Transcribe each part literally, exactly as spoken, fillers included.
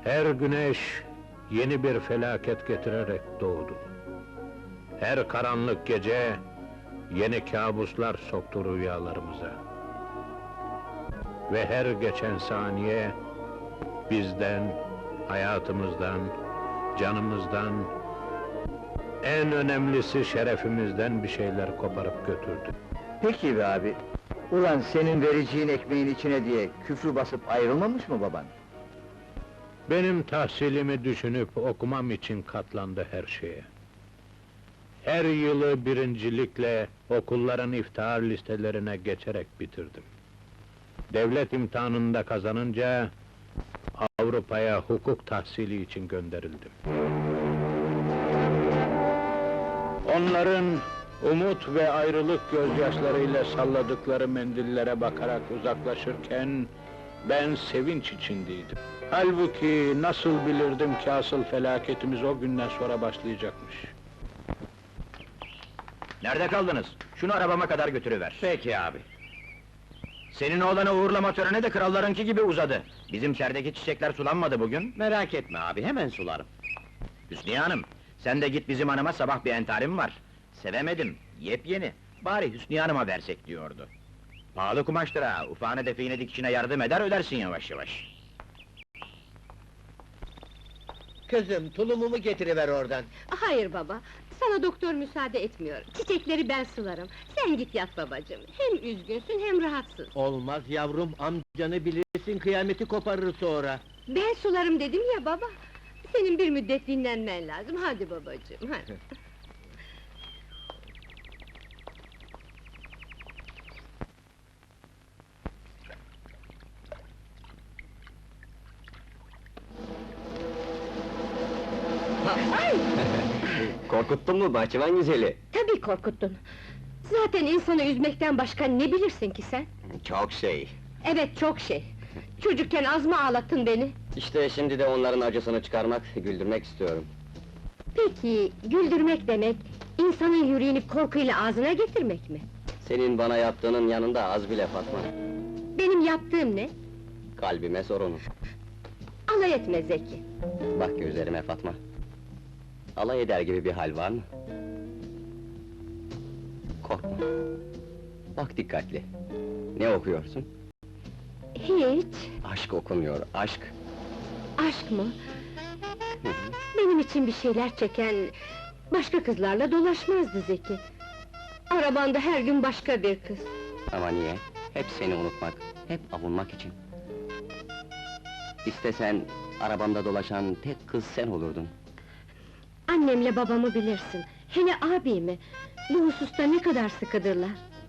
Her güneş yeni bir felaket getirerek doğdu. Her karanlık gece yeni kabuslar soktu rüyalarımıza. Ve her geçen saniye bizden, hayatımızdan, canımızdan, en önemlisi şerefimizden bir şeyler koparıp götürdü. Peki be abi, ulan senin vereceğin ekmeğin içine diye küfrü basıp ayrılmamış mı baban? Benim tahsilimi düşünüp okumam için katlandı her şeye. Her yılı birincilikle okulların iftihar listelerine geçerek bitirdim. Devlet imtihanında kazanınca Avrupa'ya hukuk tahsili için gönderildim. Onların umut ve ayrılık gözyaşlarıyla salladıkları mendillere bakarak uzaklaşırken ben sevinç içindeydim. Halbuki nasıl bilirdim ki asıl felaketimiz o günden sonra başlayacakmış. Nerede kaldınız? Şunu arabama kadar götürüver. Peki abi. Senin oğlanı uğurlama töreni de krallarınki gibi uzadı. Bizim içerideki çiçekler sulanmadı bugün. Merak etme abi, hemen sularım. Hüsniye Hanım, sen de git bizim hanıma, sabah bir entarim var. Sevemedim, yepyeni. Bari Hüsniye Hanım'a versek diyordu. Pahalı kumaştır ha, ufağını define dikişine yardım eder, ödersin yavaş yavaş. Kızım, tulumumu getiriver oradan. Hayır baba, sana doktor müsaade etmiyor. Çiçekleri ben sularım. Sen git yat babacığım. Hem üzgünsün hem rahatsız. Olmaz yavrum, amcanı bilirsin, kıyameti koparır sonra. Ben sularım dedim ya baba. Senin bir müddet dinlenmen lazım. Hadi babacığım, hadi. Korkuttun mu bahçıvan güzeli? Tabii korkuttun. Zaten insanı üzmekten başka ne bilirsin ki sen? Çok şey. Evet, çok şey. Çocukken az mı ağlattın beni? İşte şimdi de onların acısını çıkarmak, güldürmek istiyorum. Peki, güldürmek demek, insanın yüreğini korkuyla ağzına getirmek mi? Senin bana yaptığının yanında az bile Fatma. Benim yaptığım ne? Kalbime sorun. Alay etme Zeki. Bak gözlerime Fatma. Alay eder gibi bir hal var mı? Korkma. Bak dikkatli. Ne okuyorsun? Hiç, Aşk okunuyor, aşk. aşk mı? Benim için bir şeyler çeken, başka kızlarla dolaşmazdı Zeki. Arabanda her gün başka bir kız. Ama niye? Hep seni unutmak, hep avunmak için. İstesen, arabamda dolaşan tek kız sen olurdun. Annemle babamı bilirsin, hele abimi. Bu hususta ne kadar sıkıdırlar.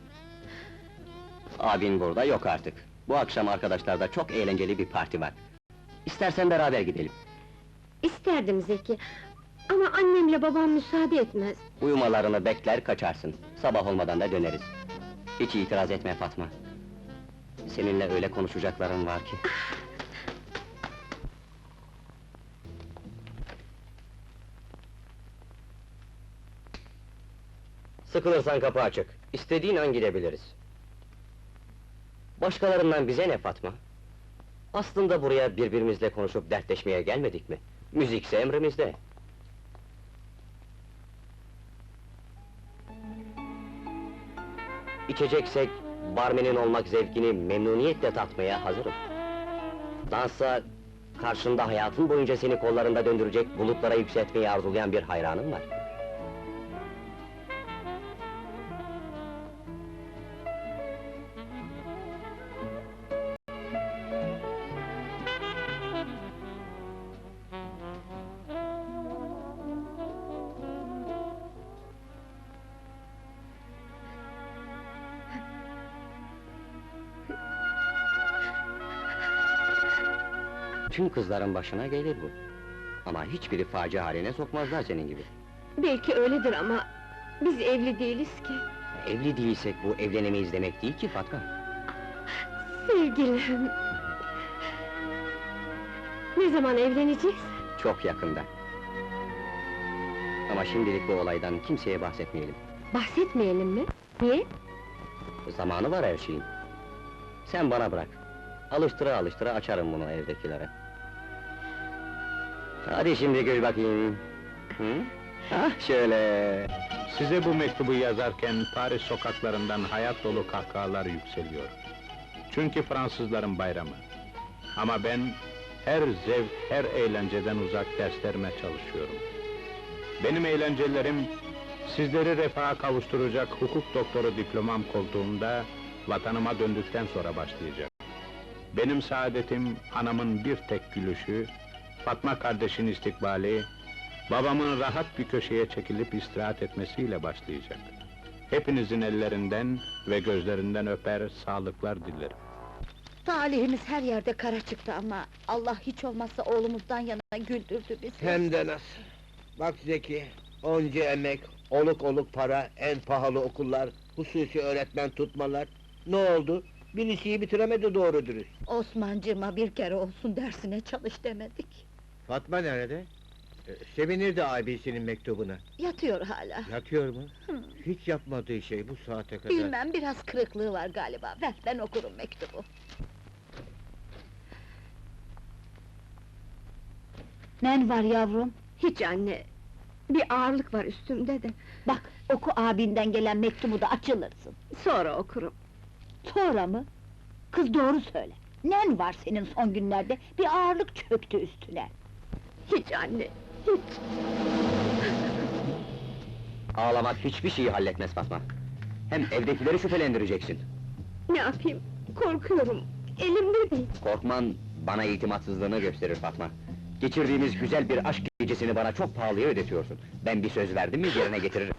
Abin burada yok artık. Bu akşam arkadaşlarda çok eğlenceli bir parti var. İstersen beraber gidelim. İsterdim Zeki, ama annemle babam müsaade etmez. Uyumalarını bekler kaçarsın. Sabah olmadan da döneriz. Hiç itiraz etme Fatma. Seninle öyle konuşacaklarım var ki. Sıkılırsan kapı açık. İstediğin an gidebiliriz. Başkalarından bize ne Fatma? Aslında buraya birbirimizle konuşup dertleşmeye gelmedik mi? Müzikse emrimizde. İçeceksek, barmenin olmak zevkini memnuniyetle tatmaya hazırım. Dansa, karşında hayatın boyunca seni kollarında döndürecek, bulutlara yükseltmeyi arzulayan bir hayranım var. Tüm kızların başına gelir bu. Ama hiçbiri facia haline sokmazlar senin gibi. Belki öyledir ama, biz evli değiliz ki. Evli değilsek bu evlenemeyiz demek değil ki Fatma. Sevgilim! Ne zaman evleneceğiz? Çok yakında. Ama şimdilik bu olaydan kimseye bahsetmeyelim. Bahsetmeyelim mi? Niye? Zamanı var her şeyin. Sen bana bırak. Alıştıra alıştıra açarım bunu evdekilere. Hadi şimdi gül bakayım. Hı? Ah şöyle. Size bu mektubu yazarken Paris sokaklarından hayat dolu kahkahalar yükseliyor. Çünkü Fransızların bayramı. Ama ben her zevk, her eğlenceden uzak derslerime çalışıyorum. Benim eğlencelerim, sizleri refaha kavuşturacak hukuk doktoru diplomam koltuğumda, vatanıma döndükten sonra başlayacak. Benim saadetim, anamın bir tek gülüşü, Fatma kardeşin istikbali, babamın rahat bir köşeye çekilip istirahat etmesiyle başlayacak. Hepinizin ellerinden ve gözlerinden öper, sağlıklar dilerim. Talihimiz her yerde kara çıktı ama Allah hiç olmazsa oğlumuzdan yana güldürdü bizi. Hem de nasıl? Bak Zeki, onca emek, oluk oluk para, en pahalı okullar, hususi öğretmen tutmalar. Ne oldu? Bir liseyi bitiremedi doğru dürüst. Osmancığıma bir kere olsun dersine çalış demedik. Fatma nerede? Ee, sevinirdi abisinin mektubuna. Yatıyor hala. Yatıyor mu? Hı. Hiç yapmadığı şey bu saate kadar. Bilmem, biraz kırıklığı var galiba. Ver, ben okurum mektubu. Ne var yavrum? Hiç anne, bir ağırlık var üstümde de. Bak, oku abinden gelen mektubu da açılırsın. Sonra okurum. Sonra mı? Kız doğru söyle. Nen var senin son günlerde? Bir ağırlık çöktü üstüne. Hiç anne, hiç. Ağlamak hiçbir şeyi halletmez Fatma. Hem evdekileri şüphelendireceksin. Ne yapayım, korkuyorum. Elimde değil. Korkman, bana itimatsızlığını gösterir Fatma. Geçirdiğimiz güzel bir aşk gecesini bana çok pahalıya ödetiyorsun. Ben bir söz verdim mi yerine getiririm.